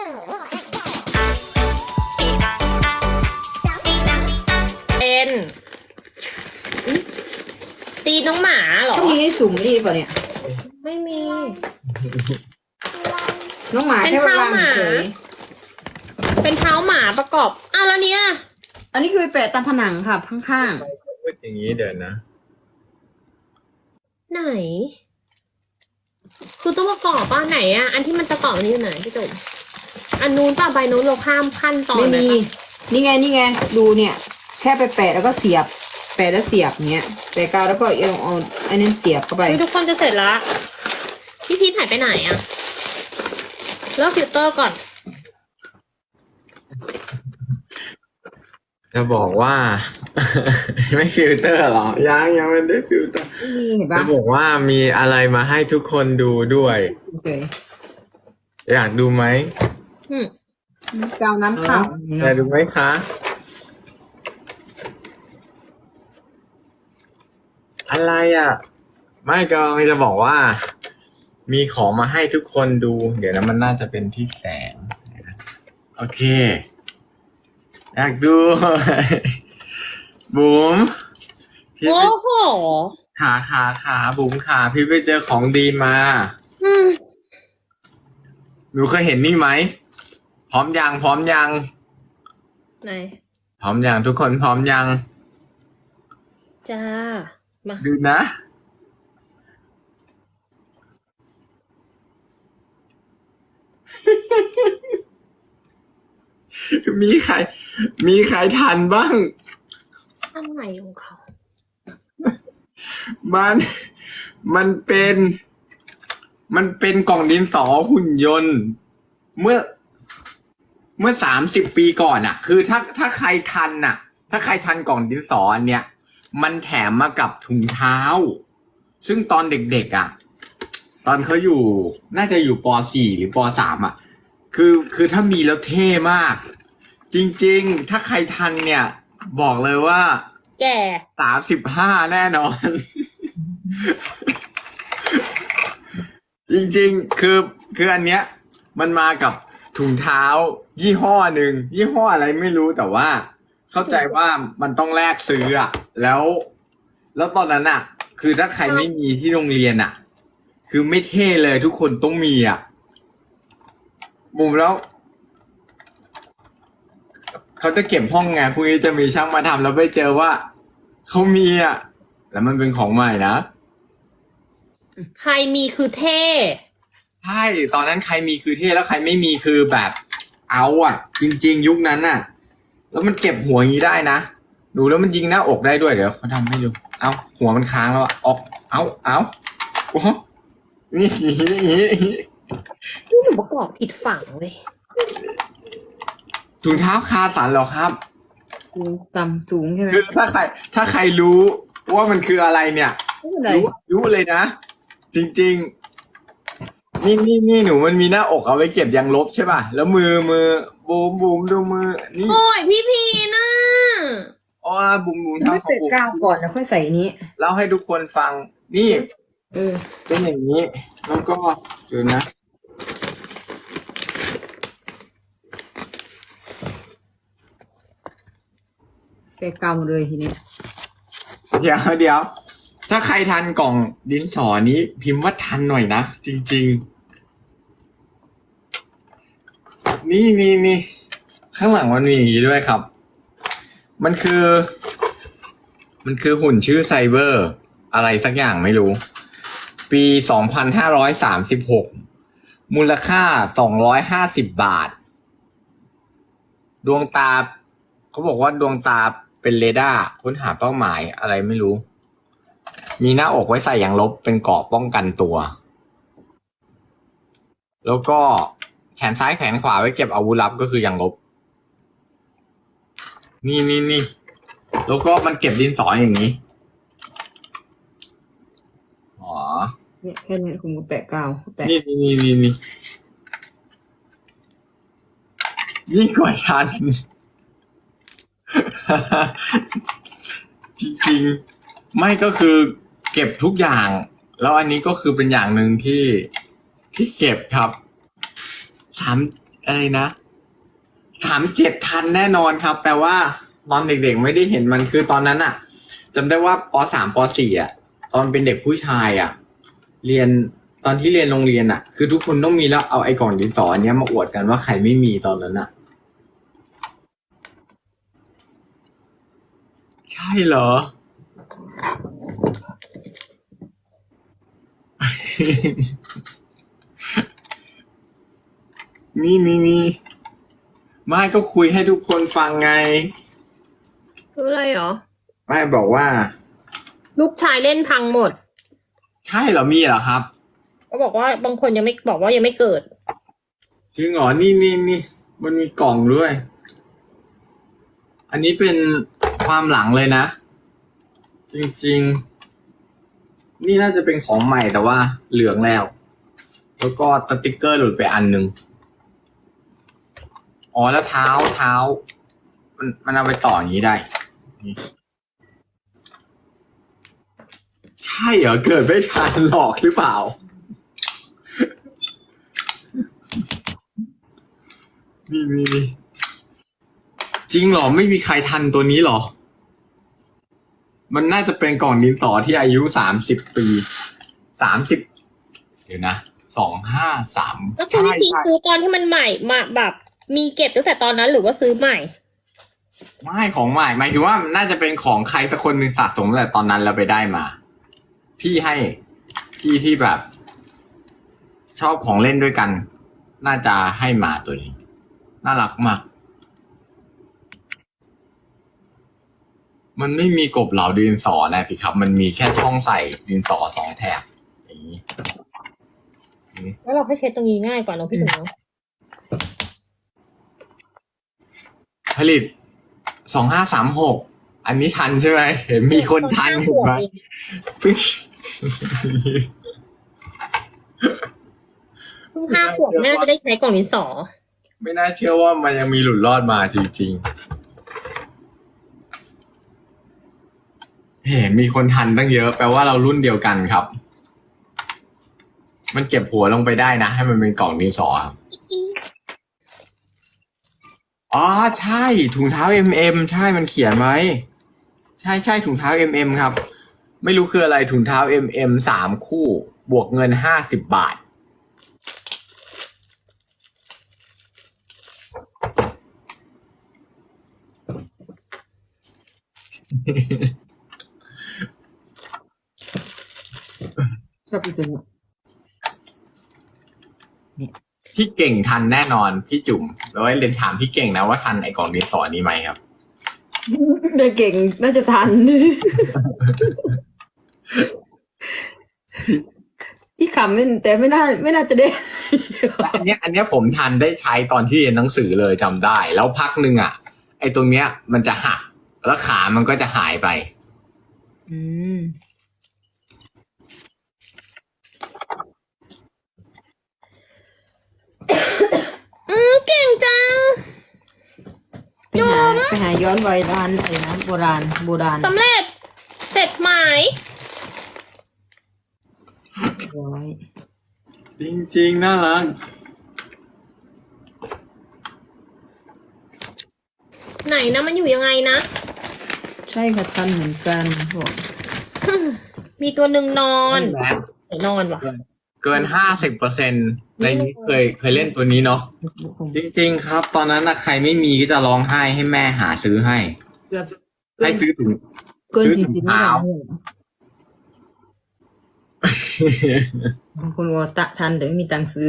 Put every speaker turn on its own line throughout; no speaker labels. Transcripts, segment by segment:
เป็นตีน้องหมาเหรอ
ต้องมีให้สุ่มนี่ป่ะเนี่ย
ไม่มี
น้องหมา
เป็น
แค่วาง
เท้าหมา
เฉย
เป็นเท้าหมาประกอบอ้าวแล้วเนี้ย
อันนี้คือไปแปะตามผนังค่ะข้าง
พูดอย่างนี้เดี๋ยวนะ
ไหน คือต้องประกอบป่ะไหนอ่ะ อันที่มันประกอบอันนี้อยู่ไหนพี่จุ๋มอันนู้นป่ะใบนู้นเราข้ามขั้นต
ๆ
อน
ไม่
เลย
มี
ปะ
นี่ไงดูเนี่ย แค่ไปแปะแล้วก็เสียบ แปะแล้วเสียบเงี้ยแปะกาวแล้วก็เอาอันนั้นเสียบเข้าไป
เฮ้ยทุกคนจะเสร็จละพี่พีทหายไปไหนอ่ะเลิกฟิลเตอร์ก่อน
จะบอกว่า ไม่ฟิลเตอร์หรอ ยังไม่ได้ฟิลเตอร์
นี่เห็นปะ
จะบอกว่ามีอะไรมาให้ทุกคนดูด้วย
เฉย
อยากดูไหม
อืม
กาวน้ำข้าว
อยากดูไหมคะ อะไรอ่ะ ไม่กำลังจะบอกว่า มีของมาให้ทุกคนดู เดี๋ยวนะมันน่าจะเป็นที่แสง โอเค อยากดู บุ๋มพี่
โอ้
ไป
โห
ขาบุ๋มขาพี่ไปเจอของดีมา
อืม
หนูเคยเห็นนี่ไหม พร้อมยัง
ไหน
พร้อมยังทุกคนพร้อมยัง
จ้า มา
ดูนะ มีใครทันบ้าง
อะไรของเขา
มันเป็นกล่องดินสอหุ่นยนต์ เมื่อ30 ปีก่อนอ่ะ คือถ้าใครทันอ่ะ ถ้าใครทันกล่องดินสออันเนี้ย มันแถมมากับถุงเท้า ซึ่งตอนเด็กๆอ่ะ ตอนเขาอยู่ น่าจะอยู่ป .4 หรือป .3 อ่ะ คือถ้ามีแล้วเท่มาก จริงๆ ถ้าใครทันเนี่ย บอกเลยว่า
แก่
35แน่นอน จริงๆ คืออันเนี้ย มันมากับถุงเท้า ยี่ห้อหนึ่งยี่ห้ออะไรไม่รู้แต่ว่า เข้าใจว่ามันต้องแลกซื้ออะแล้วตอนนั้นอะคือถ้าใครไม่มีที่โรงเรียนอะคือไม่เท่เลยทุกคนต้องมีอะมุมแล้ว เขาจะเก็บห้องไงพรุ่งนี้จะมีช่างมาทำแล้วไปเจอว่าเขามีอะแล้วมันเป็นของใหม่นะ
ใครมีคือเท่
ใช่ตอนนั้นใครมีคือเท่แล้วใครไม่มีคือแบบ เอาอ่ะ จริง ๆ ยุคนั้นน่ะ แล้วมันเก็บหัวอย่างนี้ได้นะดูแล้วมันยิงหน้าอกได้ด้วยเดี๋ยวเขาทำให้ดูเอาหัวมันค้างแล้วอะออกเอาโอ้โหนี่
ที่หนูประกอบผิดฝั่งเว้ย
ถุงเท้าคาสันเหรอครับ
สูงต่ำสูงใช่ไหม
คือถ้าใครรู้ว่ามันคืออะไรเนี่ย
ไม่เป็นไร
รู้เลยนะ จริงๆ นี่หนูมันมีหน้าอกเอาไว้เก็บยางลบใช่ป่ะ แล้วมือบูมดูมือ นี่
โอ้ยพี่พีน่ะ
อ๋อบูม
ไม่
ทำของ
เปิด
บูม
กาวก่อนแล้วค่อยใส่นี้
เล่าให้ทุกคนฟัง นี่
เออ
เป็นอย่างนี้ แล้วก็ดูนะ
แปะกาวหมดเลยทีนี้
เดี๋ยว ถ้าใครทันกล่องดินสอนี้ พิมพ์ว่าทันหน่อยนะ จริงๆ นี่ ข้างหลังมันมีอย่างนี้ด้วยครับ มันคือหุ่นชื่อไซเบอร์ อะไรสักอย่างไม่รู้ ปี 2536 มูลค่า 250 บาท ดวงตา เขาบอกว่าดวงตาเป็นเรดาร์ค้นหาเป้าหมายอะไรไม่รู้ มีหน้าอกไว้ใส่ยางลบเป็นเกราะป้องกันตัว แล้วก็แขนซ้ายแขนขวาไว้เก็บอาวุธลับก็คือยางลบ นี่ แล้วก็มันเก็บดินสออย่างนี้ อ๋อ
เนี่ยแค่นี้ผมก็แปะกาวแปะ
นี่ยิ่งกว่าฉัน จริงๆ ไม่ก็คือเก็บทุกอย่าง แล้วอันนี้ก็คือเป็นอย่างหนึ่งที่เก็บครับอะไรนะ37ทันแน่นอนครับ แปลว่าตอนเด็กๆไม่ได้เห็นมันคือตอนนั้นอะจำได้ว่าป.3 ป.4อะตอนเป็นเด็กผู้ชายอะเรียนตอนที่เรียนโรงเรียนอะคือทุกคนต้องมีแล้วเอาไอ้กล่องดินสออันเนี้ยมาอวดกันว่าใครไม่มีตอนนั้นอะใช่เหรอ นี่ไม่ก็คุยให้ทุกคนฟังไง
คืออะไรเหรอ
ไม่บอกว่า
ลูกชายเล่นพังหมด
ใช่เหรอมีเหรอครับ
ก็บอกว่าบางคนยังไม่บอกว่ายังไม่เกิด
จริงเหรอนี่มันมีกล่องด้วย อันนี้เป็นความหลังเลยนะ จริงๆ นี่น่าจะเป็นของใหม่แต่ว่าเหลืองแล้ว แล้วก็สติ๊กเกอร์หลุดไปอันหนึ่งอ๋อแล้วเท้ามันเอาไปต่ออย่างนี้ได้นี่ใช่เหรอเกิดไม่ทันหลอกหรือเปล่า นี่จริงเหรอไม่มีใครทันตัวนี้เหรอ มันน่าจะเป็นกล่องดินสอที่อายุ30 ปี30เดี๋ยวนะ253
แล้วคือพี่ซื้อตอนที่มันใหม่มาแบบ มีเก็บตั้งแต่ตอนนั้นหรือว่าซื้อใหม่
ไม่ของใหม่หมายถึงว่าน่าจะเป็นของใครสักคนหนึ่งสะสมตั้งแต่ตอนนั้นแล้วไปได้มา พี่ให้พี่ที่แบบ ชอบของเล่นด้วยกัน น่าจะให้มาตัวนี้ น่ารักมาก มันไม่มีกบเหลาดินสอนะพี่ครับ มันมีแค่ช่องใส่ดินสอ2 แถบอย่างนี้
แล้วเราให้เช็ดตรงนี้ง่ายกว่าเน้องพี่ถึงเนาะ
ผลิต2536อันนี้ทันใช่ไหมเห็นมีคนทันเห็นไหมเพิ่ง
เพิ่ง5 ขวบแม่จะได้ใช้กล่องดินสอ
ไม่น่าเชื่อว่ามันยังมีหลุดรอดมาจริงๆ เห็นมีคนทันตั้งเยอะแปลว่าเรารุ่นเดียวกันครับ มันเก็บหัวลงไปได้นะ ให้มันเป็นกล่องดินสอครับอ๋อใช่ถุงเท้า MM ใช่มันเขียนไว้ใช่ถุงเท้า MM ครับ ไม่รู้คืออะไรถุงเท้า MM 3 คู่ บวกเงิน50 บาท
ชอบอีกตัวนี้
พี่เก่งทันแน่นอนพี่จุ๋มแล้วเรียนถามพี่เก่งนะว่าทันไอ้กล่องดินสอนี้ไหมครับ
เด็กเก่งน่าจะทัน ที่ขำแต่ไม่น่าจะได้
และอันเนี้ยผมทันได้ใช้ตอนที่เรียนหนังสือเลยจำได้ แล้วพักหนึ่งอ่ะ ไอ้ตรงเนี้ยมันจะหักแล้วขามันก็จะหายไป
อืม
เก่งจัง
ไปหาย้อนวัยร้านอะไรนะโบราณ
สำเร็จ เสร็จไหม
ร้อย
จริงๆน่ารัก
ไหนนะมันอยู่ยังไงนะ
ใช่ค่ะทันเหมือนกันบอก
มีตัวหนึ่งนอน
แหละ
ไหนนอนวะ
เกิน50%ในนี้เคยเล่นตัวนี้เนาะจริงๆครับ ตอนนั้นนะใครไม่มีก็จะร้องไห้ให้แม่หาซื้อให้
เกือบ
ให้ซื้อถุง
เกิน
ซื้อถุง
40ไม่
เท้า
ได้บางคนว่าทันแต่ไม่มีตังค์ซื้อ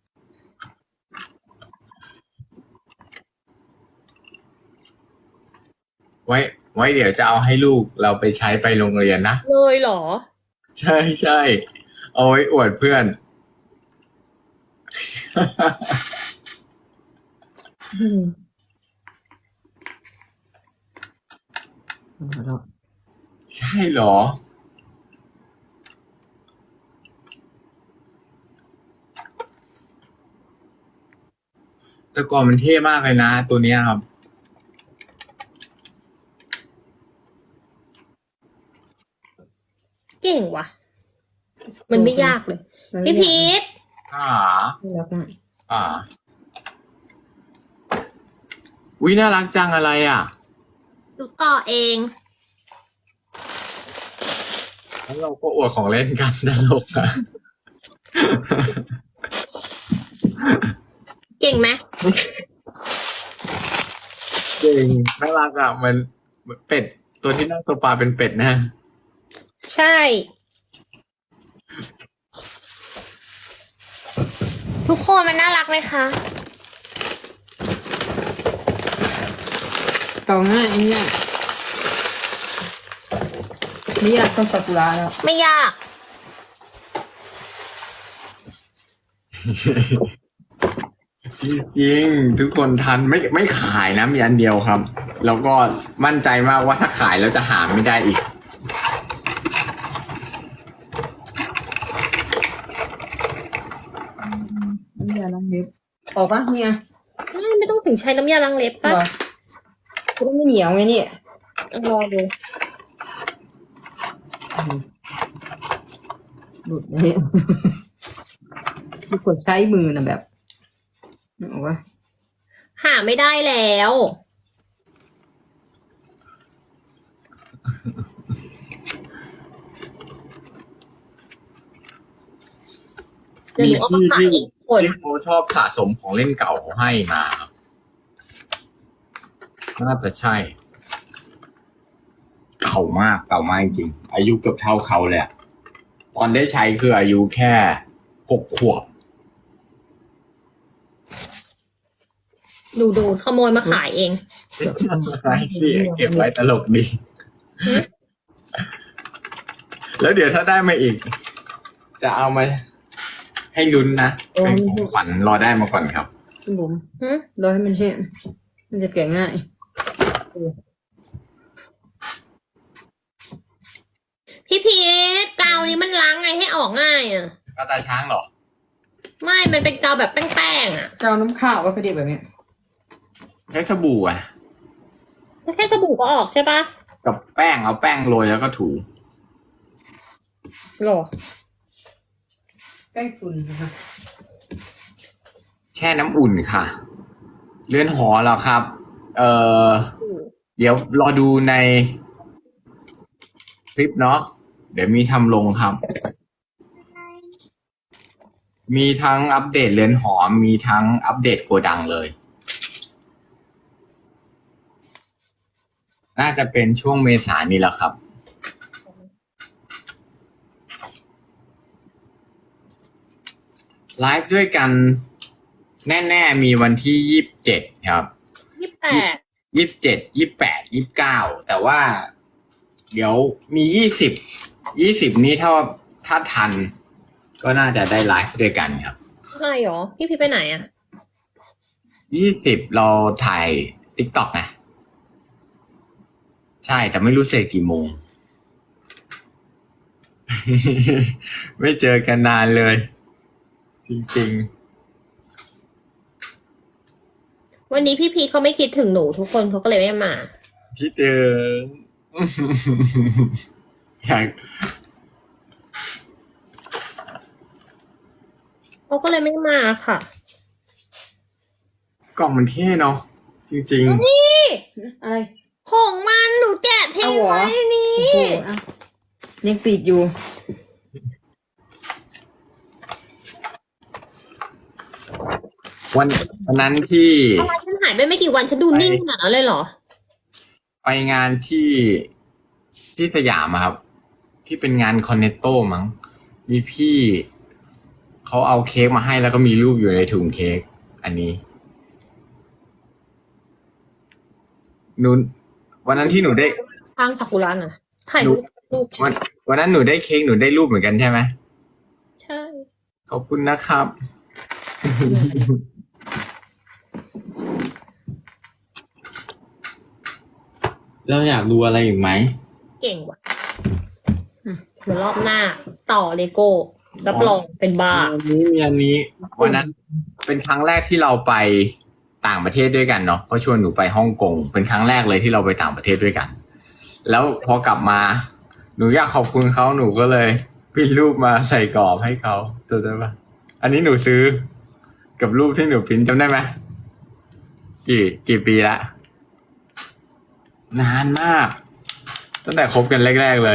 ไว้เดี๋ยวจะเอาให้ลูกเราไปใช้ไปโรงเรียนนะ
เลยเหรอ
ใช่เอาไว้อวดเพื่อน ใช่เหรอ แต่ก่อนมันเท่มากเลยนะตัวเนี้ยครับ
เก่งว่ะ มันไม่ยากเลย พี่พีท
อ่า
ไม่รักมาก
อ่าอุ๊ยน่ารักจังอะไรอ่ะ
ดูต่อเอง
แล้วเราก็อวดของเล่นกันตลกอ่ะ
เก่งไหม
จริงน่ารักอ่ะมันเป็ดตัวที่นั่งโซฟาเป็นเป็ดนะ
ใช่ ทุกคนมันน่ารักไหมคะ
ต่อง่ายเนี่ยไม่อยากต้นซากุระแล้ว
ไม่ยาก
จริงๆทุกคนทันไม่ขายนะมีอันเดียวครับ แล้วก็มั่นใจมากว่าถ้าขายแล้วจะหาไม่ได้อีก
น้ำยาล้างเล็บออกปะเนี่ย
ไม่ต้องถึงใช้น้ำยาล้างเล็บ
เหร
ป่ะ
อก็ไม่เหนียวไงเนี่ย
รอดู
หลุดเลยทุกคนใช้มือนะแบบนึกออกปะ
หาไม่ได้แล้ว เดี๋ยวหนูเอามาขายอีกคน
ที่เขาชอบสะสมของเล่นเก่าให้มาครับน่าจะใช่ เก่ามากจริงอายุเกือบเท่าเขาเลยอะตอนได้ใช้คืออายุแค่6 ขวบ
ดูขโมยมาขายเอง
ที่เก็บไว้ตลกดี แล้วเดี๋ยวถ้าได้มาอีก จะเอามาให้ลุ้นนะเป็นของขวัญรอได้มาก่อนครับ
คุณบุ๋ม
หึ
รอให้มันแห้งมันจะแกะง่าย
พี่พีทกาวนี้มันล้างไงให้ออกง่ายอ่ะ
ก็ตาช้างเหรอ
ไม่ มันเป็นกาวแบบแป้งๆอ่ะ
เจ้าน้ำข้าวก็เขาเรียกแบบเนี้ย
ใช้สบู่อะ
แค่สบู่ก็ออกใช่ปะ
กับแป้งเอาแป้งโรยแล้วก็ถู
หรอ
แป้งฝุ่นนะคะ
แช่น้ำอุ่นค่ะ เรือนหอเหรอครับ เดี๋ยวรอดูในคลิปเนาะเดี๋ยวมีทำลงครับ มีทั้งอัปเดตเรือนหอมีทั้งอัปเดตโกดังเลย น่าจะเป็นช่วงเมษายนนี้แหละครับ ไลฟ์ด้วยกันแน่ๆมีวันที่27ครับ
28
27 28 29แต่ว่า เดี๋ยวมี20นี้ถ้าทัน ก็น่าจะได้ไลฟ์ด้วยกันครับ
ใช่หรอ พี่พีทไปไหนอ่ะ
20เราถ่าย TikTok นะ ใช่แต่ไม่รู้เสร็จกี่โมง ไม่เจอกันนานเลย จริงๆ
วันนี้พี่พีทเขาไม่คิดถึงหนูทุกคนเขาก็เลยไม่มา
คิดถึง อยาก
เขาก็เลยไม่มาค่ะ
กล่องมันเท่เนาะจริง
นี่
อะไร
ของมันหนูแกะทิ้ง
เอาเหรอ
ไว้นี่
โอ้โหอ่ะยังติดอยู่
ๆ วันนั้นที่
อะไรฉันหายไปไม่กี่วันฉันดูนิ่งขนาดนั้นเลยเหรอ
ไปงานที่สยามอะครับ ที่เป็นงานคอนเนตโต้มั้งมีพี่เขาเอาเค้กมาให้แล้วก็มีรูปอยู่ในถุงเค้กอันนี้วันนั้นที่หนูได้
ทางซากุระน่ะ ถ่ายรูป
วันนั้นหนูได้เค้กหนูได้รูปเหมือนกันใช่ไหม
ใช่
ขอบคุณนะครับ เราอยากดูอะไรอีกไหม
เก่งว่ะเดี๋ยวรอบหน้า ต่อเลโก้รับรองเป็นบ้า
มีอันนี้วันนั้นเป็นครั้งแรกที่เราไปต่างประเทศด้วยกันเนาะเขาชวนหนูไปฮ่องกงเป็นครั้งแรกเลยที่เราไปต่างประเทศด้วยกัน แล้วพอกลับมา หนูอยากขอบคุณเขาหนูก็เลยพิมพ์รูปมาใส่กรอบให้เขาจำได้ปะอันนี้หนูซื้อกับรูปที่หนูพิมพ์จำได้ไหมกี่ปีละนานมาก ตั้งแต่คบกันแรกๆเลย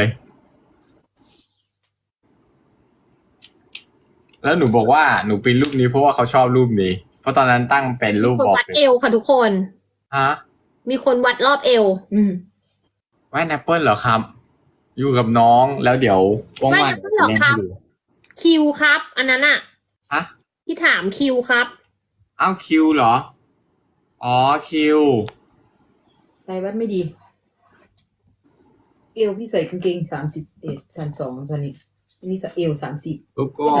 แล้วหนูบอกว่าหนูปริ้นรูปนี้เพราะว่าเขาชอบรูปนี้ เพราะตอนนั้นตั้งเป็นรูป
คน
บอก
วัด
เลย
เอวค่ะทุกคน
ฮะ
มีคนวัดรอบเอว
แว่นแอปเปิลเหรอครับ อยู่กับน้องแล้วเดี๋ยวว่าง
แว่น
ๆ
Apple เหรอครับ
เล่นให้ดู
คิวครับ อันนั้นอะ
ฮะ
ที่ถามคิวครับ
อ้าวคิวเหรอ อ๋อคิว
ใจวัดไม่ดี เอวพี่ใส่กางเกง31 32ตอนนี้อันนี้ใส่เอว30
แล้วก็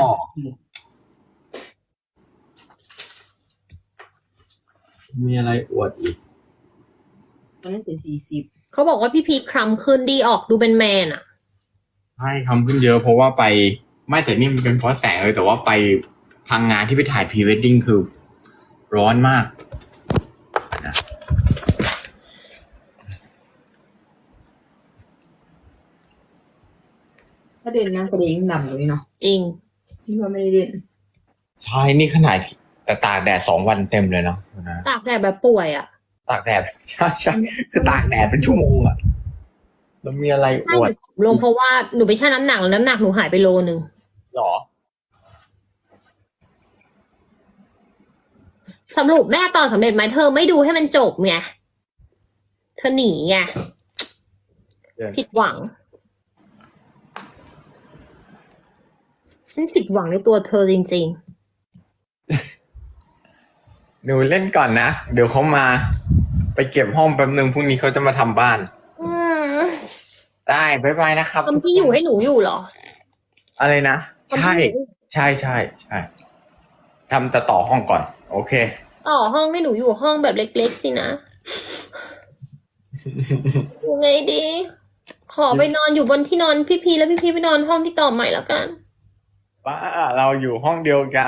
มีอะไรอวดอีก
ตอนนั้นใส่40
เขาบอกว่าพี่พีคคล้ำขึ้นดีออกดูเป็นแมนอะ
ใช่คำขึ้นเยอะเพราะว่าไปไม่แต่นี่มันเป็นเพราะแสงเลยแต่ว่าไปทางงานที่ไปถ่ายพรีเวดดิ้งคือ ร้อนมากนะ
ถ้าเด่นนะกระเด้งดำเลยเนาะ
จริง
ที่ว่าไม่ได้เด่น
ใช่นี่ขนาดแต่ตากแดด2 วันเต็มเลยเนาะนะ
ตากแดดแบบป่วยอะ
ตากแดด ใช่คือตากแดดเป็นชั่วโมงอะแล้วมีอะไรอ
ใช่
วด
ลงเพราะว่าหนูไปชั่งน้ำหนักแล้วน้ำหนักหนูหายไปโลนึง
หรอ
สรุปแม่ตอนสำเร็จไหมเธอไม่ดูให้มันจบไงเธอหนีไง
เดี๋ยว
ผิดหวังฉันผิดหวังในตัวเธอจริง
หนูเล่นก่อนนะ เดี๋ยวเขามา ไปเก็บห้องแป๊บนึงพรุ่งนี้เขาจะมาทำบ้าน
ๆอืม
ได้บ๊ายบายนะครับ
ทำที่อยู่ให้หนูอยู่เหรอ
อะไรนะ
ทำ
ใช่
ที่อยู่
ใช่ใช่ใช่ทำจะต่อห้องก่อน โอเค
ต่อห้องให้หนูอยู่ห้องแบบเล็กๆสินะ ยังไงดี ขอไปนอนอยู่บนที่นอนพี่พีแล้วพี่พีไปนอนห้องที่ต่อใหม่แล้วกัน
ป้าเราอยู่ห้องเดียวกัน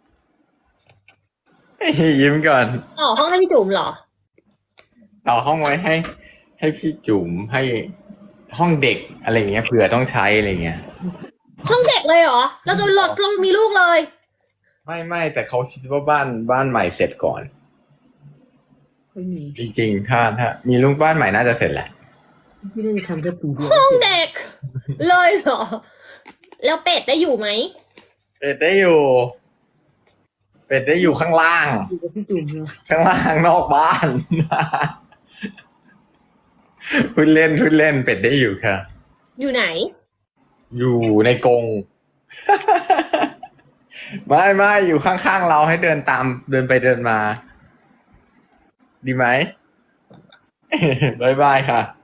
ยิ้มก่อน
ต่อห้องให้พี่จุ๋มเหรอ
ต่อห้องไว้ให้พี่จุ๋มให้ห้องเด็กอะไรเงี้ยเผื่อต้องใช้อะไรเงี้ย
ห้องเด็กเลยเหรอ เราจะหลดเรามีลูกเลย
ไม่แต่เขาคิดว่าบ้านใหม่เสร็จก่อน
ไม่มี
จริงๆ ถ้ามีลูกบ้านใหม่น่าจะเสร็จแหละ
พี่น่าจะทำแค่ปีเดียว
ห้องเด็ก เลยเหรอ แล้วเป็ดได้อยู่ไหม
เป็ดได้อยู่ข้างล่าง
อยู่กับพี่จุ๋มเนาะ
ข้างล่างนอกบ้าน พูดเล่นเป็ดได้อยู่ค่ะ
อยู่ไหน
อยู่ในกรง ไม่อยู่ข้างๆเราให้เดินไปเดินมา ดีไหม บ๊ายบายค่ะ